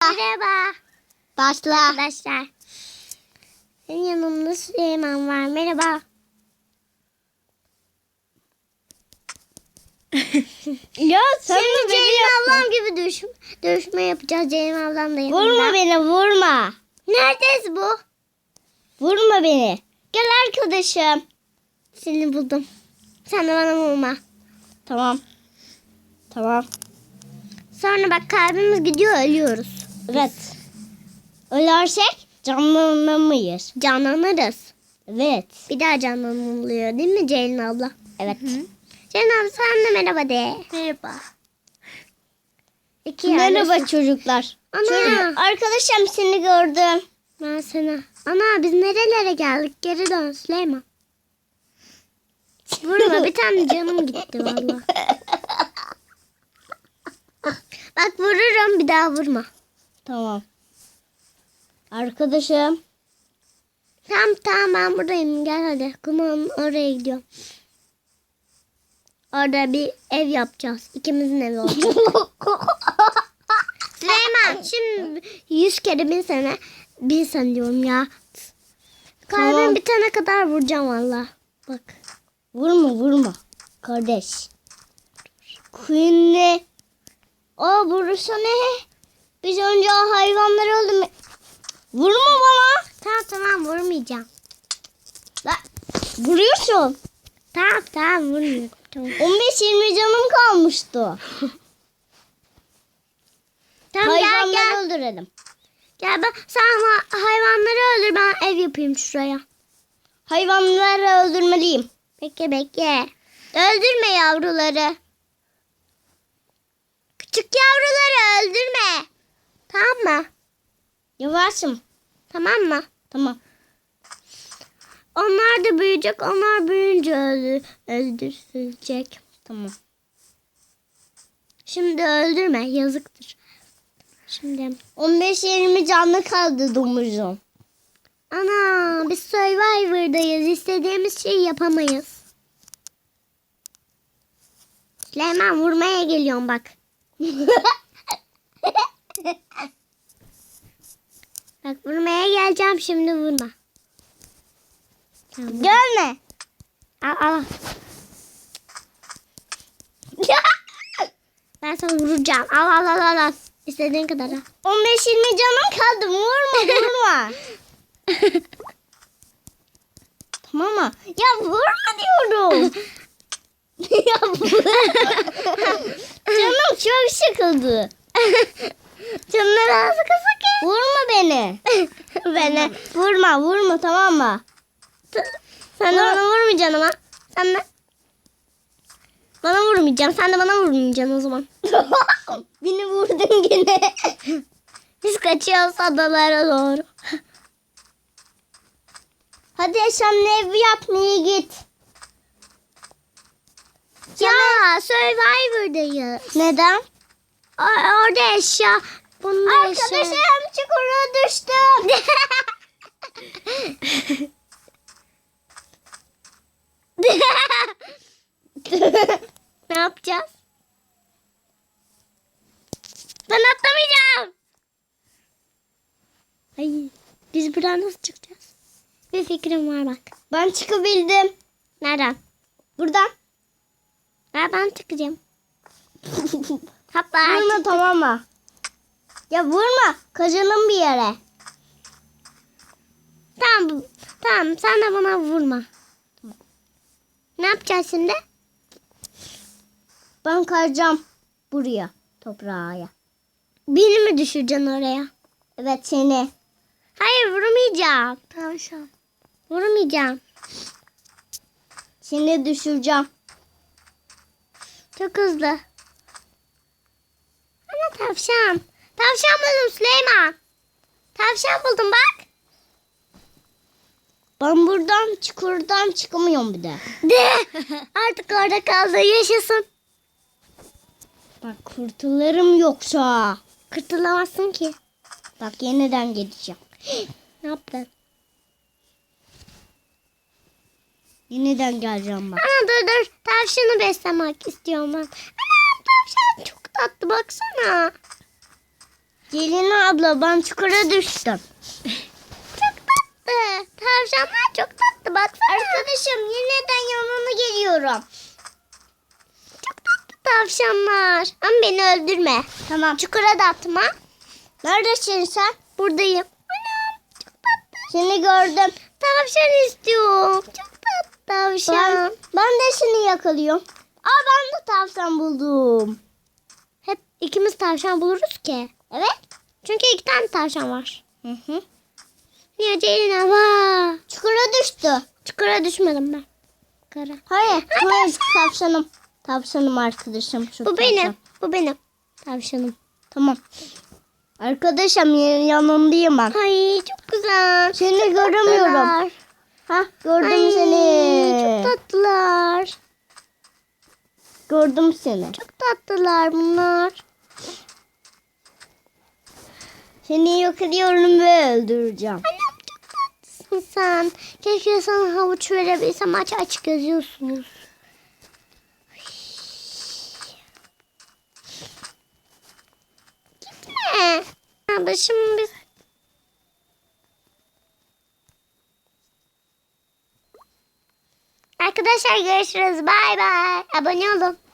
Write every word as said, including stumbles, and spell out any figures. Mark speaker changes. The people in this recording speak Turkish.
Speaker 1: Merhaba.
Speaker 2: Başla.
Speaker 1: Arkadaşlar. Senin yanımda Süleyman var. Merhaba.
Speaker 2: Ya sen
Speaker 1: Şimdi
Speaker 2: de beni
Speaker 1: Ceylin
Speaker 2: yapma.
Speaker 1: ablam gibi dövüş, dövüşme yapacağız. Ceylin ablam da yanımda.
Speaker 2: Vurma beni, vurma.
Speaker 1: Neredeyiz bu?
Speaker 2: Vurma beni. Gel arkadaşım.
Speaker 1: Seni buldum. Sen de bana vurma.
Speaker 2: Tamam. Tamam.
Speaker 1: Sonra bak kalbimiz gidiyor, ölüyoruz.
Speaker 2: Evet. Ölersek canlanamayız.
Speaker 1: Canlanırız.
Speaker 2: Evet.
Speaker 1: Bir daha canlanılıyor değil mi Ceylin abla?
Speaker 2: Evet.
Speaker 1: Ceylin abla sen de merhaba de. Merhaba. İki
Speaker 2: Merhaba
Speaker 1: yerdesin.
Speaker 2: çocuklar.
Speaker 1: Ana.
Speaker 2: Çocuk, arkadaşım seni gördüm.
Speaker 1: Ben sana. Ana biz nerelere geldik? Geri dön Süleyman. Vurma, bir tane canım gitti valla. Bak vururum, bir daha vurma.
Speaker 2: Tamam. Arkadaşım.
Speaker 1: Tamam tamam ben buradayım, gel hadi. Kumağın oraya gidiyorum. Orada bir ev yapacağız. İkimizin evi olacak. Süleyman şimdi yüz kere bin sene bin sene diyorum ya. Kalbim
Speaker 2: Tamam.
Speaker 1: bitene kadar vuracağım valla. Bak.
Speaker 2: Vurma vurma. Kardeş. Queen'le. Aa burası ne? Biz önce o hayvanları öldürme. Vurma bana.
Speaker 1: Tamam tamam vurmayacağım.
Speaker 2: La, vuruyorsun.
Speaker 1: Tamam tamam vurmuyorum. Tamam.
Speaker 2: on beş yirmi canım kalmıştı.
Speaker 1: Tamam gel
Speaker 2: Hayvanları
Speaker 1: gel.
Speaker 2: öldürelim.
Speaker 1: Gel ben sen ha- hayvanları öldür, ben ev yapayım şuraya.
Speaker 2: Hayvanları öldürmeliyim.
Speaker 1: Bekle bekle. Öldürme yavruları. Küçük yavruları öldürme. Tamam mı?
Speaker 2: Yavaşım.
Speaker 1: Tamam mı?
Speaker 2: Tamam.
Speaker 1: Onlar da büyüyecek. Onlar büyüyünce öldür, öldürülecek.
Speaker 2: Tamam.
Speaker 1: Şimdi öldürme. Yazıktır. Şimdi.
Speaker 2: on beş yirmi canlı kaldı domuzum.
Speaker 1: Ana biz Survivor'dayız. İstediğimiz şeyi yapamayız. Süleyman vurmaya geliyorum bak. Bak vurmaya geleceğim, şimdi vurma. Tamam.
Speaker 2: Gelme.
Speaker 1: Al al. Ben sana vuracağım. Al al al al. al. İstediğin kadar al.
Speaker 2: on beş yirmi canım kaldı. Vurma vurma. Tamam mı? Ya vurma diyorum. Ya vurma. Canım çok sıkıldı.
Speaker 1: Canları ağzı kısık.
Speaker 2: Vurma beni.
Speaker 1: Beni.
Speaker 2: Vurma vurma tamam mı?
Speaker 1: Sen de bana vurmayacaksın ama. Sen de. Bana vurmayacağım. Sen de bana vurmayacaksın o zaman.
Speaker 2: Beni vurdun gene.
Speaker 1: Biz kaçıyoruz adalara doğru.
Speaker 2: Hadi sen ev yapmaya git.
Speaker 1: Ya Survivor'dayız.
Speaker 2: Neden?
Speaker 1: O- orada eşya. Bunda eşya.
Speaker 2: Arkadaşım çukura düştüm.
Speaker 1: Ne yapacağız? Ben atlamayacağım. Ay, biz buradan nasıl çıkacağız? Bir fikrim var bak.
Speaker 2: Ben çıkabildim.
Speaker 1: Nereden?
Speaker 2: Buradan.
Speaker 1: Ha, ben çıkacağım. Hatta
Speaker 2: Vurma tamam mı? Ya vurma. Kaçalım bir yere.
Speaker 1: Tamam, tamam sen de bana vurma. Ne yapacağız şimdi?
Speaker 2: Ben kayacağım buraya. Toprağa.
Speaker 1: Beni mi düşüreceksin oraya?
Speaker 2: Evet seni.
Speaker 1: Hayır vurmayacağım. Tavşan. Vurmayacağım.
Speaker 2: Seni düşüreceğim.
Speaker 1: Çok hızlı. Ana tavşan. Tavşan buldum Süleyman. Tavşan buldum bak.
Speaker 2: Ben buradan çukurdan çıkamıyorum bir de.
Speaker 1: De. Artık orada kaldı. Yaşasın.
Speaker 2: Bak kurtularım yoksa.
Speaker 1: Kurtulamazsın ki.
Speaker 2: Bak yeniden gideceğim.
Speaker 1: Ne yaptın?
Speaker 2: Yeniden geleceğim bak.
Speaker 1: Ana dur dur. Tavşanı beslemek istiyorum ben. Ana tavşan çok tatlı baksana.
Speaker 2: Celina abla ben çukura düştüm.
Speaker 1: Çok tatlı. Tavşanlar çok tatlı. Baksana.
Speaker 2: Arkadaşım yeniden yanına geliyorum.
Speaker 1: Çok tatlı tavşanlar. Ama beni öldürme.
Speaker 2: Tamam.
Speaker 1: Çukura da atma.
Speaker 2: Neredesin sen?
Speaker 1: Buradayım. Anam çok tatlı.
Speaker 2: Seni gördüm.
Speaker 1: Tavşan istiyorum. Çok tatlı tavşan.
Speaker 2: Ben, ben de seni yakalıyorum. Aa ben de tavşan buldum.
Speaker 1: Hep ikimiz tavşan buluruz ki.
Speaker 2: Evet.
Speaker 1: Çünkü iki tane tavşan var.
Speaker 2: Hı hı.
Speaker 1: Niye Ceylin hava?
Speaker 2: Çukura düştü.
Speaker 1: Çukura düşmedim ben. Kara.
Speaker 2: Hayır. Hayır tavşanım. Tavşanım arkadaşım. Şu
Speaker 1: Bu
Speaker 2: tavşan.
Speaker 1: benim. Bu benim. Tavşanım.
Speaker 2: Tamam. Arkadaşım y- yanındayım ben.
Speaker 1: Ay çok güzel.
Speaker 2: Seni göremiyorum.
Speaker 1: Tatlılar.
Speaker 2: Ha gördüm
Speaker 1: Ay,
Speaker 2: seni.
Speaker 1: çok tatlılar.
Speaker 2: Gördüm seni.
Speaker 1: Çok tatlılar bunlar.
Speaker 2: Seni yakalıyorum ve öldüreceğim.
Speaker 1: Annem çok tatlısın sen. Keşke sana havuç verebilsem. Aç aç geziyorsunuz. Gitme. Kardeşim biz... Arkadaşlar görüşürüz. Bay bay. Abone olun.